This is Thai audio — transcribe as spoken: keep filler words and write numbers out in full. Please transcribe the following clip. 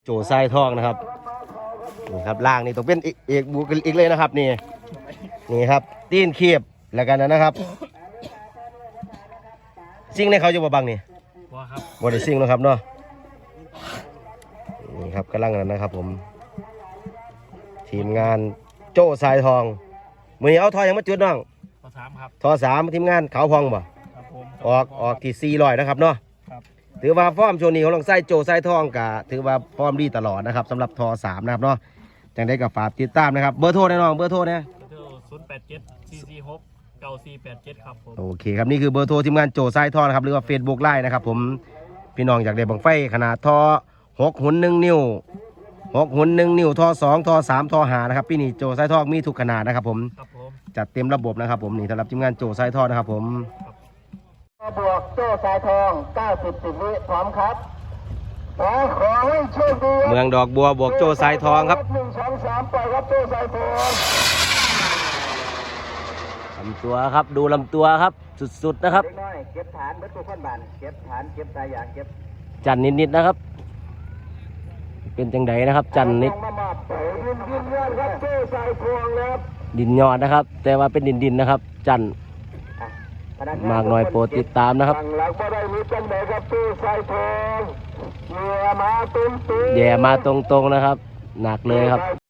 โจไส้ทองนะครับนี่ครับล่างนี่ต้องเป็นเอกบุกอีกเลยนะครับนี่นี่ครับตีนเขียบแล้วกันนะครับซิ่งในเขาจะบ่บังนี่บ่ครับบ่ได้ซิ่งนะครับเนาะนี่ครับกำลังนั้นนะครับผมทีมงานโจ้ทรายทองมือนี้เอาทอยังมาจุดน้องทอสามครับทอสามทีมงานขาวพองบ่ออกออกที่สี่ร้อยนะครับเนาะถือว่าฟอร์มโชว์นี้ของลองไส้โจไส้ทองกะถือว่าฟอร์มดีตลอดนะครับสำหรับทอสามนะครับเนาะจังได้กับฝากติดตามนะครับเบอร์โทรแน่นอนเบอร์โทรเนี่ยศูนย์แปดเจ็ดสี่สี่หกเก้าสี่แปดเจ็ดครับผมโอเคครับนี่คือเบอร์โทรทีมงานโจไส้ทองนะครับหรือว่าเฟซบุ๊กไลน์นะครับผมพี่น้องอยากได้บังไฟขนาดทอหกหุ่นหนึ่งนิ้วหกหุ่นหนึ่งนิ้วทอสองทอสามทอหานะครับพี่นี่โจไส้ทองมีทุกขนาดนะครับผมจัดเต็มระบบนะครับผมนี่สำหรับทีมงานโจไส้ทองนะครับผมบวกโจ้สายทองเก้าสิบสิบวิพร้อมครับขอขอให้โชคดีเมืองดอกบัวบวกโจไส้ทองครับหนึ่งสองสามปล่อยครับโจ้สายทองลำตัวครับดูลำตัวครับสุดๆนะครับเก็บฐานเบิดตัวข้นบานเก็บฐานเก็บตายอย่างเก็บจันนิดๆนะครับเป็นจังไดนะครับจันนิดดินยอดนะครับแต่ว่าเป็นดินดินนะครับจันมากหน่อยโปรดติดตามนะครับแย่มาตรงๆนะครับหนักเลยครับ